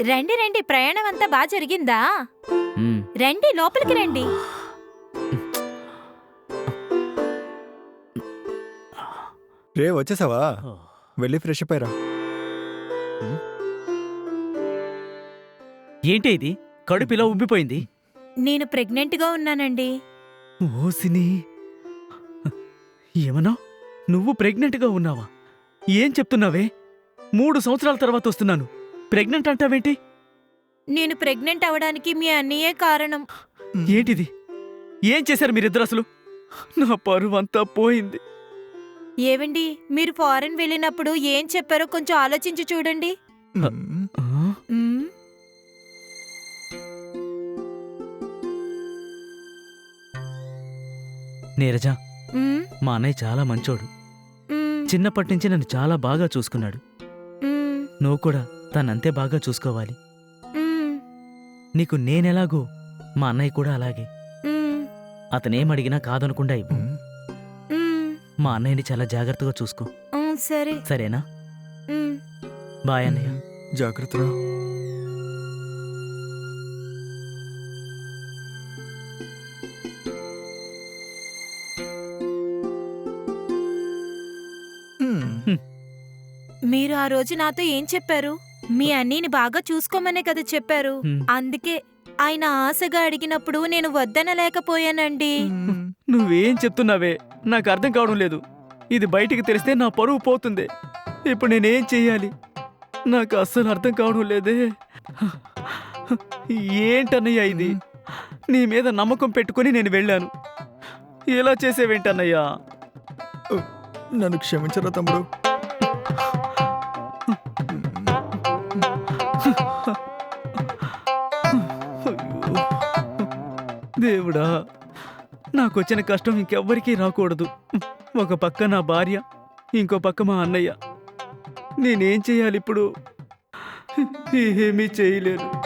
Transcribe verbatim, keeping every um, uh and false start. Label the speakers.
Speaker 1: రండి రండి, ప్రయాణం అంతా బాగా జరిగిందా?
Speaker 2: మ్మ్.
Speaker 1: రండి, లోపలికి రండి.
Speaker 3: రే వచ్చేసావా? వెళ్ళి ఫ్రెష్ అప్ అయ్యరా.
Speaker 2: ఏంటి ఇది? కడుపు ఇలా ఉబ్బిపోయింది.
Speaker 1: నేను ప్రెగ్నెంట్ గా ఉన్నానండి.
Speaker 2: ఓసిని, ఏమన్నా నువ్వు ప్రెగ్నెంట్గా ఉన్నావా? ఏం చెప్తున్నావే? మూడు సంవత్సరాల తర్వాత వస్తున్నాను, ప్రెగ్నెంట్ అంటావేంటి?
Speaker 1: నేను ప్రెగ్నెంట్ అవడానికి మీ అన్నయ్యే కారణం.
Speaker 2: ఏంటిది? ఏం చేశారు మీరిద్దరు అసలు? నా పరువు అంతా పోయింది.
Speaker 1: ఏవండి, మీరు ఫారెన్ వెళ్ళినప్పుడు ఏం చెప్పారో కొంచెం ఆలోచించి చూడండి.
Speaker 3: మ్మ్.
Speaker 2: ఆ?
Speaker 1: మ్మ్.
Speaker 2: నీరజ,
Speaker 1: మ్మ్.
Speaker 2: మా అన్నయ్య చాలా మంచోడు.
Speaker 1: మ్మ్.
Speaker 2: చిన్నప్పటి నుంచి నన్ను చాలా బాగా చూసుకున్నాడు.
Speaker 1: మ్మ్.
Speaker 2: నువ్వు కూడా తనంతే బాగా చూసుకోవాలి.
Speaker 1: మ్మ్.
Speaker 2: నీకు నేనెలాగో మా అన్నయ్య కూడా అలాగే.
Speaker 1: మ్మ్.
Speaker 2: అతనేమడిగినా కాదనకుండా ఇవ్వు.
Speaker 3: మ్మ్.
Speaker 1: మ్మ్.
Speaker 2: మా అన్నయ్యని చాలా జాగ్రత్తగా చూసుకో,
Speaker 1: మ్మ్. సరే.
Speaker 2: సరేనా?
Speaker 1: మ్మ్.
Speaker 2: బాయ్ అన్నయ్య.
Speaker 3: జాగ్రత్తరా. మ్మ్.
Speaker 1: మీరు ఆ రోజు నాతో ఏం చెప్పారు? మీ అన్నీని బాగా చూసుకోమనే కదా చెప్పారు.
Speaker 2: హ్మ్.
Speaker 1: అందుకే ఆయన ఆశగా అడిగినప్పుడు నేను వద్దనలేకపోయానండి.
Speaker 3: మ్మ్.
Speaker 2: నువ్వేం చెప్తున్నావే నాకు అర్థం కావడం లేదు. ఇది బయటికి తెలిస్తే నా పరువు పోతుంది. ఇప్పుడు నేనేం చెయ్యాలి? నాకు అస్సలు అర్థం కావడం లేదే. ఏంటన్నయ్యా ఇది? నీ మీద నమ్మకం పెట్టుకుని నేను వెళ్ళాను, ఇలా చేసేవేంటన్నయ్యా?
Speaker 3: నన్ను క్షమించరా తమ్ముడు.
Speaker 2: అయ్యో, దేవుడా, నాకొచ్చిన కష్టం ఇంకెవ్వరికీ రాకూడదు. ఒక పక్క నా భార్య, ఇంకో పక్క మా అన్నయ్య. నేనేం చేయాలి ఇప్పుడు? ఏమీ చేయలేను.